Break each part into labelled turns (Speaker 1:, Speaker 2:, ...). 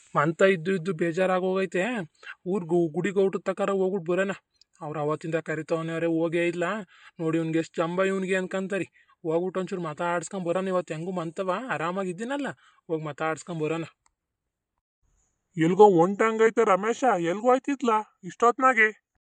Speaker 1: ಮಂತ ಇದ್ದು ಇದ್ದು ಬೇಜಾರಾಗೋಗೈತೆ. ಊರ್ಗೂ ಗುಡಿ ಗೌಟದ ತಕರ ಹೋಗ್ಬಿಟ್ಟು ಬರೋಣ. ಅವ್ರು ಅವತ್ತಿಂದ ಕರಿತವನವ್ರೆ ಹೋಗೇ ಇಲ್ಲ. ನೋಡಿ ಇವ್ನಿಗೆ ಎಷ್ಟು ಜಂಬ ಇವ್ನಿಗೆ ಅನ್ಕಂತಾರಿ. ಹೋಗ್ಬಿಟ್ಟು ಒಂಚೂರು ಮಾತಾಡ್ಸ್ಕೊಂಡ್ ಬರೋಣ. ಇವತ್ತು ಹೆಂಗೂ ಮಂತವ ಆರಾಮಾಗಿದ್ದೀನಲ್ಲ, ಹೋಗಿ ಮಾತಾಡ್ಸ್ಕೊಂಡ್ ಬರೋಣ.
Speaker 2: ಎಲ್ಗೋ ಹೊಂಟಂಗೈತೆ ರಮೇಶ, ಎಲ್ಗೋ ಆಯ್ತಿದ್ಲ ಇಷ್ಟೊತ್ನಾಗೆ?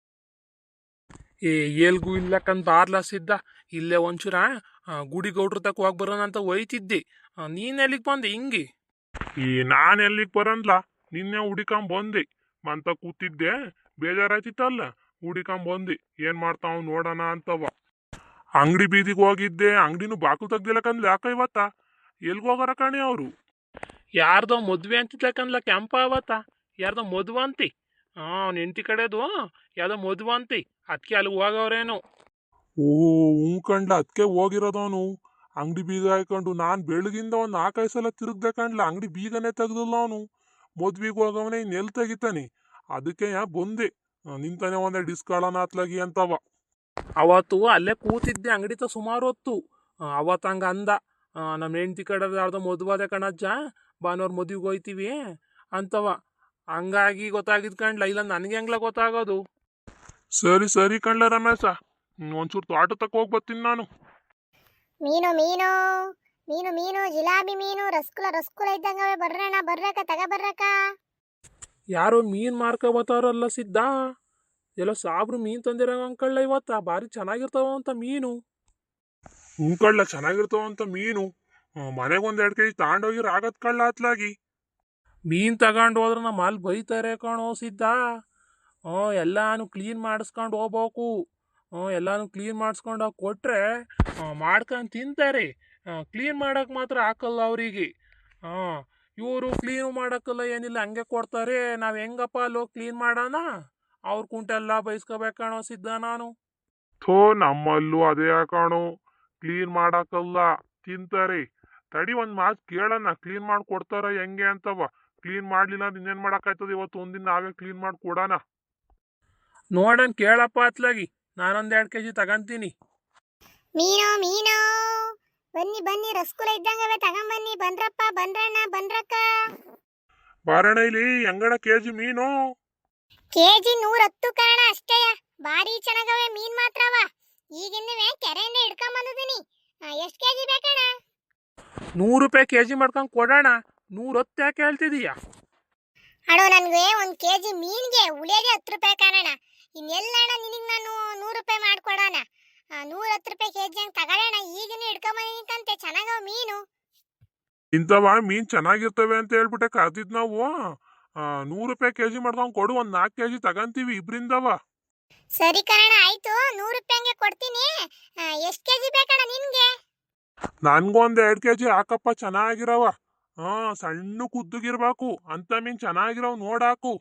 Speaker 1: ಏ ಎಲ್ಗೂ ಇಲ್ಲಕ್ಕಂತ ಬಾರ್ಲಸಿದ್ದ. ಇಲ್ಲೇ ಒಂಚೂರ ಗುಡಿ ಗೌಡ್ರ ತಕ ಹೋಗಿ ಬರೋಣ ಅಂತ ಒಯ್ತಿದ್ದೆ. ನೀನ್ ಎಲ್ಲಿಗೆ ಬಂದೆ ಹಿಂಗೆ?
Speaker 2: ನಾನ್ ಎಲ್ಲಿಗ್ ಬರನ್ಲ, ನಿನ್ನೆ ಹುಡಿಕೊಂಡ್ ಬಂದೆ. ಮಂತ ಕೂತಿದ್ದೆ, ಬೇಜಾರಾಯ್ತಿತ್ತಲ್ಲ, ಹುಡಿಕೊಂಡ್ ಬಂದೆ. ಏನ್ ಮಾಡ್ತಾವ್ ನೋಡೋಣ ಅಂತವ. ಅಂಗಡಿ ಬೀದಿಗೆ ಹೋಗಿದ್ದೆ, ಅಂಗಡಿನೂ ಬಾಕ್ಲು ತೆಗ್ದಿಲ್ಲಕಂದ್ಲ ಯಾಕ ಇವತ್ತ? ಎಲ್ಗ ಹೋಗಾರ ಕಣೆ ಅವರು?
Speaker 1: ಯಾರ್ದೋ ಮದ್ವೆ ಅಂತಿದ್ಲಕ್ಕನ್ಲ ಕೆಂಪ ಅವತ್ತ. ಯಾರ್ದೋ ಮದ್ವೆ ಅಂತಿ. ಅವ್ನ ಹೆಂಡತಿ ಕಡೆದು ಯಾವ್ದೋ ಮದ್ವೆ ಅಂತಿ. ಅದಕ್ಕೆ ಅಲ್ಲಿ ಹೋಗವ್ರೇನು.
Speaker 2: ಓಹೋ ಕಂಡ್ಲ, ಅದಕ್ಕೆ ಹೋಗಿರೋದವನು. ಅಂಗಡಿ ಬೀಗ ಹಾಕೊಂಡು ನಾನ್ ಬೆಳಗಿಂದ ಒಂದ್ 4-5 ಸಲ ತಿರುಗ್ದೆ ಕಂಡ್ಲ, ಅಂಗಡಿ ಬೀಗನೇ ತೆಗ್ದಿಲ್ಲ ಅವನು. ಮದ್ವಿಗೆ ಹೋಗವನೇ ಇನ್ನೆಲ್ ತೆಗಿತಾನೆ. ಅದಕ್ಕೆ ಬಂದೆ, ನಿಂತಾನೆ ಒಂದೇ ಡಿಸ್ಕಾಳನ ಅತ್ಲಾಗಿ ಅಂತವ.
Speaker 1: ಅವತ್ತು ಅಲ್ಲೇ ಕೂತಿದ್ದೆ ಅಂಗಡಿತ ಸುಮಾರು ಹೊತ್ತು. ಅವತ್ತು ಹಂಗ ಅಂದ, ನಮ್ಮ ಹೆಂಡತಿ ಕಡೆ ಯಾರ್ದೋ ಮದುವಾದ ಕಣಜ್ಜ, ಭಾನುವಾರ ಮದುವೆಗೆ ಹೋಯ್ತೀವಿ ಅಂತವ. ಹಂಗಾಗಿ ಗೊತ್ತಾಗಿದ್ ಕಂಡ್ಲ, ಇಲ್ಲ ನನಗೆ ಹೆಂಗ್ಲ ಗೊತ್ತಾಗೋದು.
Speaker 2: ಸರಿ ಸರಿ ಕಂಡ್ಲ ರಮೇಶ, ಒಂಚೂರು ತೋಟ ತಕ್ಕ ಹೋಗಿ ಬರ್ತೀನಿ ನಾನು.
Speaker 3: ಮೀನು ಮೀನು ಮೀನು ಮೀನು ಜಿಲಾಬಿ ಮೀನು ರಸ್ಕುಲ ರಸ್ಕುಲ ಇದ್ದಂಗವೆ. ಬರ್ರಣ ಬರ್ರಕ ತಗ ಬರ್ರಕ.
Speaker 1: ಯಾರೋ ಮೀನ್ ಮಾರ್ಕ ಬತ್ತಾರಲ್ಲ ಸಿದ್ದ. ಎಲ್ಲೋ ಸಾಬ್ರು ಮೀನ್ ತಂದಿರೋ ಅಂಕಳ್ಳ ಇವತ್ತ. ಭಾರಿ ಚೆನ್ನಾಗಿರ್ತಾವ ಅಂತ ಮೀನು.
Speaker 2: ಕಳ್ಳ ಚೆನ್ನಾಗಿರ್ತಾವಂತ ಮೀನು. ಮನೆಗೆ ಒಂದ್ 2 kg ತಗೊಂಡೋಗಿರ ಆಗತ್ ಕಳ್ಳ ಅತ್ಲಾಗಿ.
Speaker 1: ಮೀನ್ ತಗೊಂಡು ಹೋದ್ರೆ ನಮ್ಮ ಅಲ್ಲಿ ಬೈತಾರೆ ಕಣೋ ಸಿದ್ದ. ಎಲ್ಲಾನು ಕ್ಲೀನ್ ಮಾಡಿಸ್ಕೊಂಡು ಹೋಗ್ಬೇಕು. ಎಲ್ಲಾನು ಕ್ಲೀನ್ ಮಾಡಿಸ್ಕೊಂಡು ಕೊಟ್ರೆ ಮಾಡ್ಕೊಂಡು ತಿಂತಾರೆ. ಕ್ಲೀನ್ ಮಾಡಕ್ ಮಾತ್ರ ಹಾಕಲ್ಲ ಅವರಿಗೆ. ಇವರು ಕ್ಲೀನ್ ಮಾಡಕ್ಕಲ್ಲ, ಏನಿಲ್ಲ, ಹಂಗೆ ಕೊಡ್ತಾರೆ. ನಾವು ಹೆಂಗಪ್ಪ ಅಲ್ಲೋ ಕ್ಲೀನ್ ಮಾಡೋಣ? ಅವ್ರ ಕುಂಟೆಲ್ಲ ಬೈಸ್ಕೋಬೇಕಣೋ ಸಿದ್ದ ನಾನು.
Speaker 2: ಥೋ, ನಮ್ಮಲ್ಲೂ ಅದೇ ಕಾಣೋ, ಕ್ಲೀನ್ ಮಾಡಕ್ಕಲ್ಲ, ತಿಂತಾರೆ. ತಡಿ ಒಂದ್ ಮಾತು ಕೇಳೋಣ, ಕ್ಲೀನ್ ಮಾಡಿ ಕೊಡ್ತಾರ ಹೆಂಗೆ ಅಂತವ. ಕ್ಲೀನ್ ಮಾಡ್ಲಿಲ್ಲ ಅಂದ್ರೆ ಇನ್ನೇನ್ ಮಾಡಕ್ಕಾಯ್ತದ? ಇವತ್ತು ಒಂದಿನ ನಾವೇ ಕ್ಲೀನ್ ಮಾಡಿ ಕೊಡೋಣ.
Speaker 1: ನೋಡೋಣ, ಕೇಳಪ್ಪ ಅತ್ಲಾಗಿ. ನಾನೊಂದ್ 2 kg ತಗಂತೀನಿ.
Speaker 3: ಮೀನು ಮೀನು ಬನ್ನಿ ಬನ್ನಿ, ರಸ್ಕುಲ ಇದ್ದಂಗವೆ ತಗೊಂಬನ್ನಿ. ಬಂದ್ರಪ್ಪ ಬಂದ್ರಣ್ಣ ಬಂದ್ರಕ್ಕ.
Speaker 2: ಬಾರಣ ಇಲ್ಲಿ, ಹೆಂಗಣ ಕೆಜಿ ಮೀನು?
Speaker 3: ಕೆಜಿ 110 ಕಾರಣ ಅಷ್ಟೇಯ. ಭಾರಿ ಚೆನ್ನಾಗವೆ ಮೀನ್ ಮಾತ್ರವ. ಈಗಿನ್ನವೇ ಕೆರೆಯಿಂದ ಹಿಡ್ಕೊಂಡ್ ಬಂದಿದ್ದೀನಿ. ಎಷ್ಟು ಕೆಜಿ ಬೇಕಣ್ಣ?
Speaker 1: 100 ರೂಪಾಯಿ ಕೆಜಿ ಮಾಡ್ಕೊಂಡು ಕೊಡೋಣ. 110 ಯಾಕೆ ಹೇಳ್ತಿದೀಯಾ?
Speaker 3: ಅಣ್ಣೋ, ನನ್ಗೆ 1 ಕೆಜಿ ಮೀನ್ಗೆ ಉಳಿಯೋದೇ 10 ರೂಪಾಯಿ ಕಾರಣ. ಇನ್ನೆಲ್ಲಣ್ಣ ನಿನಗೆ ನಾನು 100 ರೂಪಾಯಿ ಮಾಡ್ಕೊಡೋಣ. 110 ರೂಪಾಯಿ ಕೆಜಿ ಹಂಗೆ ತಗೊಳ್ಳೋಣ. ಈಗಿನ ಹಿಡ್ಕೊಂಬಂದಿಕ್ಕಂತೆ ಚೆನ್ನಾಗವ ಮೀನು.
Speaker 2: ಇಂಥವ ಮೀನ್ ಚೆನ್ನಾಗಿರ್ತವೆ ಅಂತ ಹೇಳ್ಬಿಟ್ಟೆ ಕರ್ದಿದ್ ನಾವು. 100 ರೂಪಾಯಿ ಕೆಜಿ ಮಾಡ್ಕೊಂಡ್ ಕೊಡು, ಒಂದ್ 4 kg ತಗಂತೀವಿ ಇಬ್ರಿಂದವ.
Speaker 3: ಸರಿ ಕಣ, ಆಯ್ತು. 100 ರೂಪಾಯಿಗೆ ಕೊಡ್ತೀನಿ. ಎಷ್ಟು ಕೆಜಿ ಬೇಕಣ್ಣ ನಿನ್ಗೆ?
Speaker 2: ನನ್ಗೊಂದ್ 2 kg ಹಾಕಪ್ಪ, ಚೆನ್ನಾಗಿರವ. ಸಣ್ಣ ಕುದ್ದುಗಿರ್ಬೇಕು ಅಂತ ಮೀನ್ ಚೆನ್ನಾಗಿರವ್ ನೋಡಾಕು.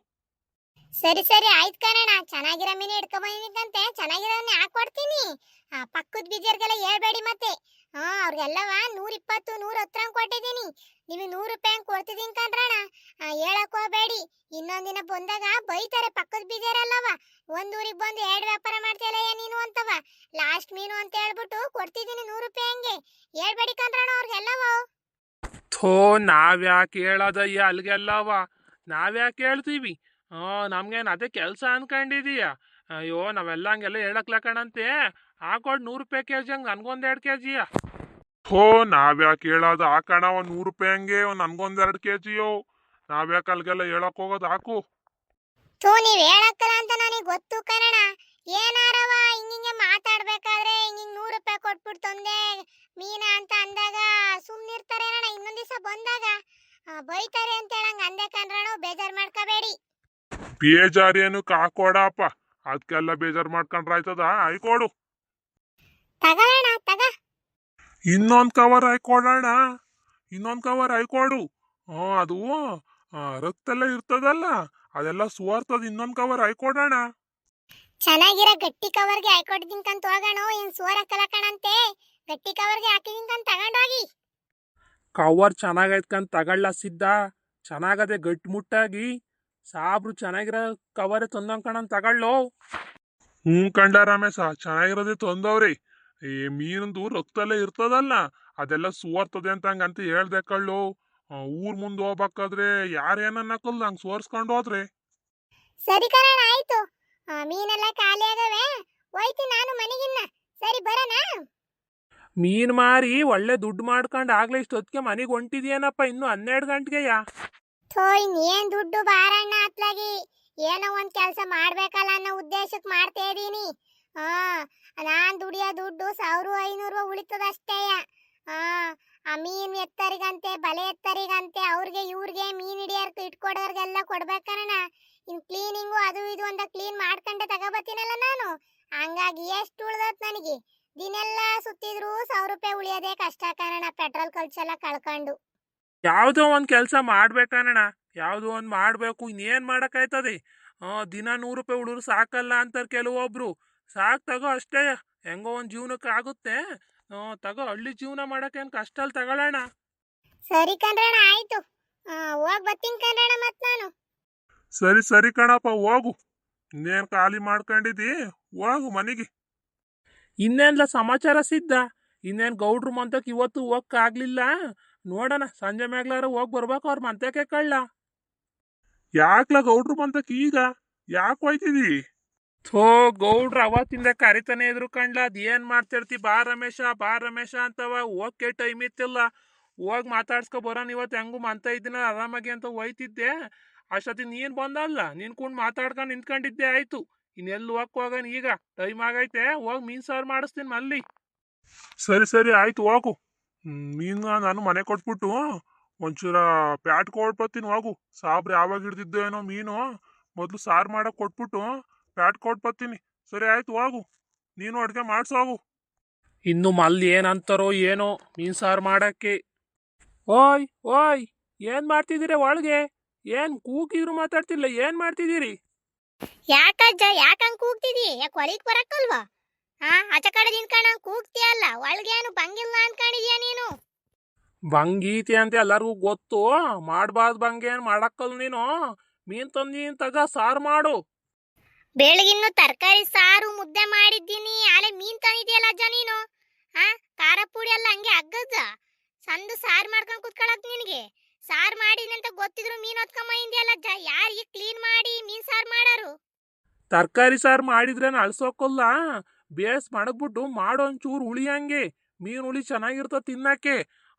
Speaker 3: ಸರಿ ಸರಿ ಆಯ್ತು ಕಣಣ್ಣ. ಚೆನ್ನಾಗಿರೋ ಮೀನು ಹಿಡ್ಕೊಂಬಂದಿಕ್ಕಂತೆ ಚೆನ್ನಾಗಿರೋನೇ ಹಾಕೊಡ್ತೀನಿ. ಪಕ್ಕದ ಬೀಜರ್ಗೆಲ್ಲ ಹೇಳ್ಬೇಡಿ ಮತ್ತೆ. ಅವ್ರಿಗೆಲ್ಲವ 120 110 ಕೊಟ್ಟಿದ್ದೀನಿ. ನಿಮಗೆ 100 ರೂಪಾಯಿ ಕೊಡ್ತಿದ್ದೀನಿ ಕಣ್ರಣ್ಣ. ಹೇಳಕ್ ಹೋಗ್ಬೇಡಿ, ಇನ್ನೊಂದಿನ ಬಂದಾಗ ಬೈತಾರೆ ಪಕ್ಕದ ಬೀಜರಲ್ಲವ. ಒಂದೂರಿಗೆ ಬಂದು 2 ವ್ಯಾಪಾರ ಮಾಡ್ತೀಯಲ್ಲ ನೀನು ಅಂತವ. ಲಾಸ್ಟ್ ಮೀನು ಅಂತ ಹೇಳ್ಬಿಟ್ಟು ಕೊಡ್ತಿದ್ದೀನಿ 100 ರೂಪಾಯಿ ಹಂಗೆ. ಹೇಳ್ಬೇಡಿ ಕಣ್ರಣ್ಣ ಅವ್ರಿಗೆಲ್ಲವ.
Speaker 1: ಥೋ, ನಾವ್ಯಾಕೆ ಹೇಳೋದಯ್ಯ ಅಲ್ಲಿಗೆಲ್ಲವ? ನಾವ್ಯಾಕೆ ಹೇಳ್ತೀವಿ? ನಮ್ಗೇನು ಅದೇ ಕೆಲಸ ಅನ್ಕೊಂಡಿದೀಯ? ಅಯ್ಯೋ, ನಾವೆಲ್ಲ ಹಂಗೆಲ್ಲ ಹೇಳಕ್ಲಕಣಂತೆ. ಹಾಕೊಡ್ 100 ರೂಪಾಯಿ ಕೆಜಿ ಹಂಗೆ, ನನ್ಗೊಂದ್ 2 kg.
Speaker 2: ಹೋ, ನಾವ್ಯಾಕೆ ಹೇಳೋದು? ಹಾಕಣ ಒಂದ್ 100 ರೂಪಾಯಿ ಹಂಗೆ, ನನ್ಗೊಂದ್ 2 kg. ನಾವ್ಯಾಕೆ ಅಲ್ಗೆಲ್ಲ ಹೇಳಕ್ ಹೋಗೋದು? ಹಾಕು.
Speaker 3: ಥೂ, ನೀವ್ ಹೇಳಕ್ಕಲ್ಲ ಅಂತ ನನಗೆ ಗೊತ್ತು ಕಣಣ. ಏನಾರವ ಹಿಂಗಿಂಗೆ ಮಾತಾಡ್ಬೇಕಾದ್ರೆ ಹಿಂಗಿಂಗ್ 100 ರೂಪಾಯಿ ಕೊಟ್ಬಿಟ್ಟು ತಂದೆ ಮೀನ ಅಂತ ಅಂದಾಗ ಸುಮ್ನಿರ್ತಾರೆ ಅಣ್ಣ. ಇನ್ನೊಂದ್ ದಿವಸ ಬಂದಾಗ ಬೈತಾರೆ ಅಂತ ಹೇಳಂಗ ಅಂದೆ ಕಣ್ರಣ. ಬೇಜಾರ್ ಮಾಡ್ಕೋಬೇಡಿ.
Speaker 2: ಬೇಜಾರೇನು ಕಾಕೊಡಪ್ಪ, ಅದಕ್ಕೆಲ್ಲ ಬೇಜಾರ್ ಮಾಡ್ಕೊಂಡ್ರೆ ಆಯ್ತದ? ಆಯ್ಕೊಡು.
Speaker 3: ತಗೋಣ ತಗ.
Speaker 2: ಇನ್ನೊಂದ್ ಕವರ್ ಹಾಕೊಡೋಣ. ಇನ್ನೊಂದ್ ಕವರ್ ಹಾಕೊಡು. ಅದು ರಕ್ತ ಎಲ್ಲ ಇರ್ತದಲ್ಲ, ಅದೆಲ್ಲ ಸುವಾರ್ತದ. ಇನ್ನೊಂದ್ ಕವರ್ ಹಾಕೊಡೋಣ.
Speaker 3: ಚೆನ್ನಾಗಿರೋ ಗಟ್ಟಿ ಕವರ್ಗೆ ಹಾಕೊಡ್ದಿಂಕಂತ ಹೋಗೋಣ. ಏನ್ ಸೋರ ಕಲಕಣಂತೆ. ಗಟ್ಟಿ ಕವರ್ಗೆ ಹಾಕಿದಿಂಕಂತ ತಗೊಂಡೋಗಿ.
Speaker 1: ಕವರ್ ಚೆನ್ನಾಗೈತ್ಕಂತ ತಗೊಳ್ಳ ಸಿದ್ದ. ಚೆನ್ನಾಗದೆ ಗಟ್ಟಿಮುಟ್ಟಾಗಿ. ಸಾಬ್ರು ಚೆನ್ನಾಗಿರೋ ಕವರೇ ತಂದಂಕಣಂತ ತಗೊಳ್ಳೋ.
Speaker 2: ಕಂಡ ರಮೇಶ, ಚೆನ್ನಾಗಿರೋದೇ ತಂದವ್ರಿ. ಈ ಮೀನಂದು ರಕ್ತಲ್ಲೇ ಇರ್ತದಲ್ಲ, ಅದೆಲ್ಲ ಸುವರ್ತದೆ ಅಂತ ಹಂಗಂತ ಹೇಳ್ದೆ ಕಳ್ಳು. ಊರ್ ಮುಂದೆ ಹೋಗ್ಬೇಕಾದ್ರೆ ಯಾರೇನನ್ನಕ್ಕಲ್ಲ ಹಂಗೆ ಸೋರ್ಸ್ಕೊಂಡು ಹೋದ್ರೆ.
Speaker 3: ಸರಿ ಕಣಣ್ಣ ಆಯ್ತು. ಮೀನೆಲ್ಲ ಖಾಲಿ ಆಗವೆ, ಹೋಯ್ತೀನಿ ನಾನು ಮನೆಗಿನ್ನ. ಸರಿ ಬರೋಣ.
Speaker 1: ಮೀನು ಮಾರಿ ಒಳ್ಳೆ ದುಡ್ಡು ಮಾಡ್ಕೊಂಡು ಆಗ್ಲೇ ಇಷ್ಟೊತ್ತಿಗೆ ಮನೆಗೆ ಹೊಂಟಿದ್ಯೇನಪ್ಪ, ಇನ್ನು 12 ಗಂಟೆಗೆಯಾ?
Speaker 3: ಥೋ ಇನ್ನೇನ್ ದುಡ್ಡು ಬಾರಣ್ಣ ಅತ್ಲಾಗಿ. ಏನೋ ಒಂದ್ ಕೆಲಸ ಮಾಡ್ಬೇಕಲ್ಲ ಅನ್ನೋ ಉದ್ದೇಶಕ್ಕೆ ಮಾಡ್ತಾ ಇದೀನಿ. ಹಾ, ನಾನ್ ದುಡಿಯೋ ದುಡ್ಡು 1500 ಉಳಿತದಷ್ಟೇ. ಹಾ, ಆ ಮೀನ್ ಎತ್ತರಿಗಂತೆ ಬಲೆ ಎತ್ತರಿಗಂತೆ ಅವ್ರಿಗೆ ಇವ್ರಿಗೆ ಮೀನ್ ಹಿಡಿಯೋರ್ಗೆ ಇಟ್ಕೊಡೋರ್ಗೆಲ್ಲ ಕೊಡ್ಬೇಕಣ್ಣ. ಇನ್ ಕ್ಲೀನಿಂಗು ಅದು ಇದು ಅಂತ ಕ್ಲೀನ್ ಮಾಡ್ಕೊಂಡೆ ತಗೋಬತ್ತೀನಲ್ಲ ನಾನು. ಹಂಗಾಗಿ ಎಷ್ಟು ಉಳ್ದತ್ ನನಗೆ. ದಿನೆಲ್ಲ ಸುತ್ತಿದ್ರು 1000 ರೂಪಾಯಿ ಉಳಿಯೋದೇ ಕಷ್ಟ ಕಾರಣ, ಪೆಟ್ರೋಲ್ ಖರ್ಚೆಲ್ಲ ಕಳ್ಕೊಂಡು.
Speaker 1: ಯಾವುದೋ ಒಂದು ಕೆಲಸ ಮಾಡ್ಬೇಕಣ್ಣ, ಯಾವುದೋ ಒಂದು ಮಾಡಬೇಕು. ಇನ್ನೇನು ಮಾಡೋಕ್ಕಾಯ್ತದೆ? ದಿನ 100 ರೂಪಾಯಿ ಉಳಿದ್ರು ಸಾಕಲ್ಲ ಅಂತಾರೆ ಕೆಲವೊಬ್ರು. ಸಾಕು ತಗೋ ಅಷ್ಟೇ, ಹೆಂಗೋ ಒಂದು ಜೀವನಕ್ಕೆ ಆಗುತ್ತೆ. ತಗೋ, ಹಳ್ಳಿ ಜೀವನ ಮಾಡೋಕ್ಕೇನು ಕಷ್ಟ ಅಲ್ಲಿ ತಗೊಳ್ಳೋಣ.
Speaker 3: ಸರಿ ಕಣ್ರಣ್ಣ ಆಯ್ತು. ಹೋಗ್ ಬರ್ತೀನಿ ಕಣ್ರಣ್ಣ ಮತ್ ನಾನು.
Speaker 2: ಸರಿ ಸರಿ ಕಣಪ್ಪ, ಹೋಗು. ಇನ್ನೇನು ಖಾಲಿ ಮಾಡ್ಕೊಂಡಿದ್ದಿ, ಹೋಗು ಮನೆಗೆ.
Speaker 1: ಇನ್ನೇನ್ಲ ಸಮಾಚಾರ ಸಿದ್ಧ? ಇನ್ನೇನು ಗೌಡ್ರು ಮಂತಕ್ಕೆ ಇವತ್ತು ಹೋಗಕ್ಕಾಗ್ಲಿಲ್ಲ. ನೋಡೋಣ, ಸಂಜೆ ಮ್ಯಾಗ್ಲಾರ ಹೋಗಿ ಬರ್ಬೇಕು ಅವ್ರ ಮಂತಕ್ಕೆ ಕಳ್ಳ.
Speaker 2: ಯಾಕ್ಲ ಗೌಡ್ರು ಬಂತಕ್ ಈಗ ಯಾಕೆ ಹೋಯ್ತಿದಿ?
Speaker 1: ಥೋ, ಗೌಡ್ರು ಅವತ್ತಿಂದ ಕರಿತಾನೆ ಇದ್ರು ಕಣ್ಲ. ಅದೇನ್ ಮಾಡ್ತಿರ್ತಿ, ಬಾ ರಮೇಶ ಬಾ ರಮೇಶ ಅಂತವ. ಹೋಗಕ್ಕೆ ಟೈಮ್ ಇತ್ತಿಲ್ಲ. ಹೋಗಿ ಮಾತಾಡ್ಸ್ಕೊ ಬರೋಣ ಇವತ್ತು, ಹೆಂಗು ಮಂತ ಇದ್ದೀನ ಆರಾಮಾಗಿ ಅಂತ ಹೋಯ್ತಿದ್ದೆ. ಅಷ್ಟೊತ್ತಿ ನೀನ್ ಬಂದಲ್ಲ, ನಿನ್ಕೊಂಡು ಮಾತಾಡ್ಕೊಂಡು ನಿಂತ್ಕೊಂಡಿದ್ದೆ ಆಯ್ತು. ಇನ್ನೆಲ್ಲಿ ಹೋಗೋಣ ಈಗ, ಟೈಮ್ ಆಗೈತೆ. ಹೋಗಿ ಮೀನ್ ಸಾರು ಮಾಡಿಸ್ತೀನಿ ಮಲ್ಲಿ.
Speaker 2: ಸರಿ ಸರಿ ಆಯ್ತು ಹೋಗು. ಮೀನು ನಾನು ಮನೆ ಕೊಟ್ಬಿಟ್ಟು ಒಂಚೂರ ಪ್ಯಾಟ್ ಕೊಟ್ಬತ್ತೀನಿ ಹೋಗು. ಸಾಬ್ರು ಯಾವಾಗ ಹಿಡ್ದಿದ್ದೋ ಏನೋ ಮೀನು, ಮೊದಲು ಸಾರು ಮಾಡಕ್ ಕೊಟ್ಬಿಟ್ಟು ಪ್ಯಾಟ್ ಕೊಟ್ಬತ್ತೀನಿ. ಸರಿ ಆಯ್ತು ಹೋಗು, ನೀನು ಅಡ್ಗೆ ಮಾಡ್ಸು ಹೋಗು.
Speaker 1: ಇನ್ನು ಮಲ್ಲಿ ಏನಂತಾರೋ ಏನೋ ಮೀನ್ ಸಾರು ಮಾಡಕ್ಕೆ. ಓಯ್ ಓಯ್, ಏನ್ ಮಾಡ್ತಿದ್ದೀರಿ ಒಳಗೆ? ಏನ್ ಕೂಗಿದ್ರು ಮಾತಾಡ್ತಿಲ್ಲ, ಏನ್ ಮಾಡ್ತಿದ್ದೀರಿ?
Speaker 3: ಯಾಕಜ್ಜ ಯಾಕಂಗ್ ಕೂಗ್ತಿದಿ? ಯಾಕೆ ಹೊಲಿಗ್ ಬರಕ್ಕಲ್ವಾ? ಆಚ ಕಡೆ ನಿಂತ್ಕೊಂಡ್ ಕೂಗ್ತೀಯಲ್ಲ, ಒಳಗೇನು ಬಂಗಿಲ್ಲ ಅನ್ಕೊಂಡಿದ್ಯಾ ನೀನು?
Speaker 1: ಬಂಗೀತಿ ಅಂತ ಎಲ್ಲರಿಗೂ ಗೊತ್ತು. ಮಾಡ್ಬಾರ್ದು ಬಂಗೇನ್ ಮಾಡಕ್ಕಲ್ ನೀನು. ಮೀನ್ ತಂದೀನ್ ತಗ, ಸಾರು ಮಾಡು.
Speaker 3: ಬೆಳಗಿನ್ನು ತರಕಾರಿ ಸಾರು ಮುದ್ದೆ ಮಾಡಿದ್ದೀನಿ, ಆಲೆ ಮೀನ್ ತಂದಿದ್ಯಲ್ಲ ಅಜ್ಜ ನೀನು. ಖಾರ ಪುಡಿ ಎಲ್ಲ ಹಂಗೆ ಅಗ್ಗಜ್ಜ. ಸಂದು ಸಾರು ಮಾಡ್ಕೊಂಡು ಕುತ್ಕೊಳಕ್ ನಿನಗೆ. ಸಾರು ಮಾಡಿದ್ನಿ ಅಂತ ಗೊತ್ತಿದ್ರು ಮೀನ್ ಹೊತ್ಕೊಂಬಂದಿಯಲ್ಲ ಅಜ್ಜ. ಯಾರು ಈಗ ಕ್ಲೀನ್ ಮಾಡಿ ಮೀನ್ ಸಾರು ಮಾಡಾರು?
Speaker 1: ತರಕಾರಿ ಸಾರು ಮಾಡಿದ್ರೇನು ಅಳ್ಸೋಕಲ್ಲ, ಬೇಸ್ ಮಡಗ್ಬಿಟ್ಟು ಮಾಡೋ ಒಂಚೂರು ಉಳಿಯಂಗೆ. ಮೀನು ಹುಳಿ ಚೆನ್ನಾಗಿರ್ತದೆ ತಿನ್ನಕ್ಕೆ.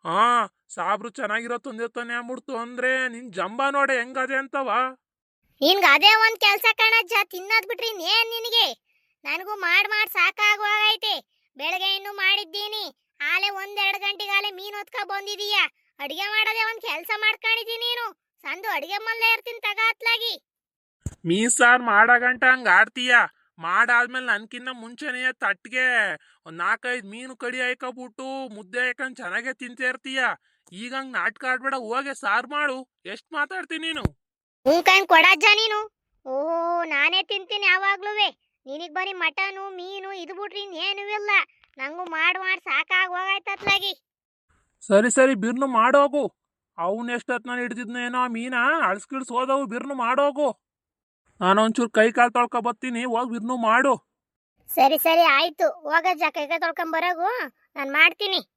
Speaker 1: ಸಾಬ್ರು ಚೆನ್ನಾಗಿರೋ ತಂದಿರ್ತಾನೆ ಅಂದ್ಬಿಡ್ತು ಅಂದ್ರೆ ನಿನ್ ಜಂಬ ನೋಡೆ ಹೆಂಗದೆ ಅಂತವ.
Speaker 3: ನಿನ್ಗೆ ಅದೇ ಒಂದ್ ಕೆಲ್ಸ ಕಣಜ್ಜ, ತಿನ್ನೋದ್ ಬಿಟ್ರಿ ಇನ್ನೇನ್ ನಿನಗೆ? ನನಗೂ ಮಾಡ್ ಸಾಕಾಗೋಗೈತೆ. ಬೆಳಗ್ಗೆ ಇನ್ನು ಮಾಡಿದ್ದೀನಿ, ಆಲೆ 1-2 ಗಂಟೆಗಾಲೆ ಮೀನ್ ಹೊತ್ಕ ಬಂದಿದೀಯ. ಅಡಿಗೆ ಮಾಡೋದೇ ಒಂದ್ ಕೆಲ್ಸ ಮಾಡ್ಕೊಂಡಿದ್ದೀನಿ ನೀನು. ಸಂದು ಅಡಿಗೆ ಮಲ್ಲೆ ಇರ್ತೀನಿ ತಗ ಅತ್ಲಾಗಿ.
Speaker 1: ಮೀನ್ ಸಾರು ಮಾಡೋ ಗಂಟ ಹಂಗ ಆಡ್ತೀಯ. ಮಾಡಾದ್ಮೇಲೆ ನನ್ಕಿನ್ನ ಮುಂಚೆನೇ ತಟ್ಟಿಗೆ 4-5 ಮೀನು ಕಡಿ ಹಾಕಬಿಟ್ಟು ಮುದ್ದೆ ಹಾಕೊಂಡ್ ಚೆನ್ನಾಗೆ ತಿಂತಾ ಇರ್ತೀಯ. ಈಗ ಹಂಗ್ ನಾಟಕ ಆಡ್ಬೇಡ, ಹೋಗೆ ಸಾರು ಮಾಡು. ಎಷ್ಟ್ ಮಾತಾಡ್ತೀನಿ ನೀನು?
Speaker 3: ಹೂಕಂಡ್ ಕೊಡಜ್ಜ ನೀನು. ಓಹೋ, ನಾನೇ ತಿಂತೀನಿ ಯಾವಾಗ್ಲೂವೆ. ನಿನಗ್ ಬರೀ ಮಟನು ಮೀನು ಇದು ಬಿಟ್ರಿ ಇನ್ನೇನು ಇಲ್ಲ. ನಂಗೂ ಮಾಡ್ ಸಾಕಾಗೋಗೈತತ್ಲಾಗಿ.
Speaker 1: ಸರಿ ಸರಿ, ಬಿರ್ನು ಮಾಡೋಗು. ಅವನ್ ಎಷ್ಟೊತ್ ನಾನು ಹಿಡ್ದಿದ್ನೇನೋ ಮೀನ, ಅಳ್ಸ್ಕಿಳ್ಸ್ ಹೋದವು. ಬಿರ್ನು ಮಾಡೋಗು. ನಾನೊಂಚೂರು ಕೈ ಕಾಲು ತೊಳ್ಕೊ ಬತ್ತೀನಿ, ಹೋಗಿ ಬಿರ್ನು ಮಾಡು.
Speaker 3: ಸರಿ ಸರಿ ಆಯ್ತು, ಹೋಗಜ್ಜ ಕೈಗೆ ತೊಳ್ಕೊಂಡ್ ಬರೋಗು, ನಾನು ಮಾಡ್ತೀನಿ.